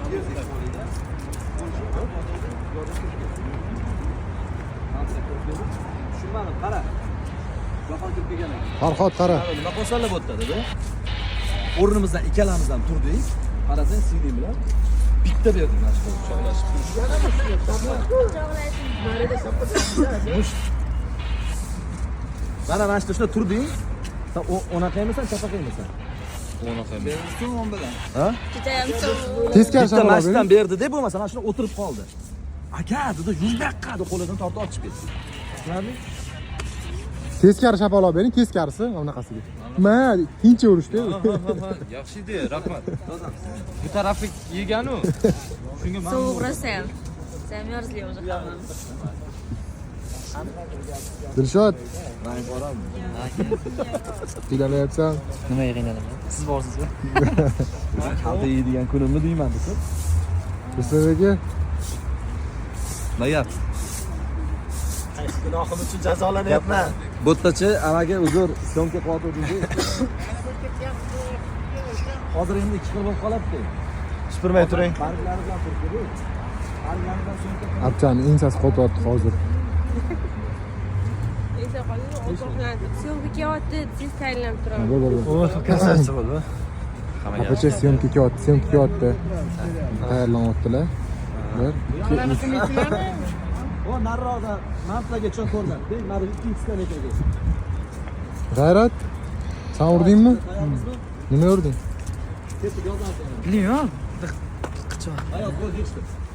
Tushunmadim, qara. Vafon kirib kelgan ekan. Farhod qara. Nima qilsalar bo'tadi-da? O'rnimizdan ikkalamiz ham turdik. Qarasang, CD bilan bitta berdik mana shu quchoqlashib. Mana mana shunda turding. Sen o'naqa emisan, chapaqa emisan? O'naqa emas. So'm bilan. Ha? Judayam so'm. Teskari Bitta shapaloq mashinadan bering. berdi deb bo'lmasa, mana shunda o'tirib qoldi. Aka, dedi, yuzbaqqa deb qo'lidan tortib ochib ketdi. Tushunarli? Teskari shapaloq bering, teskarisi bunaqasiga. Ma, tincha urishdi. Yaxshi edi, rahmat. Bu tarafni yegan-u. Shunga men Sovuq rosa ham. Zamёрзли уже hamma. Dilshod, Men boraman. qiynalatyapsan. nimaga qiynalaman? Siz borsizmi? Kalta yeydigan kunimni deyman desa. Bizdagi Nayap. Qaysi gunohim uchun jazolanyapman? Bo'ttachi amaga uzr, syomka qilyotgandik. Hozir endi 2 xil bo'lib qolibdi. Supurmay turing. Barglari bilan turibdi. Barglari bilan syomka qilib. Abchani ensasi qotyapti hozir. Esa qoldi, o'toqlanib, syomka kelyapti, tez tayyorlanib turaman. Bo'ldi. Kassatsiya bo'ldi. Apacha syomka kelyapti. Tayyorlanyaptilar. Bir, ikki, uch. O nariroqda mantlaga cho'q ko'rdi. Mana ikkinchi skanekaga. G'ayrat, sen urdingmi? Nima urding? Ketib yozamiz. Bilmayman. Hayot bo'l, yechdi.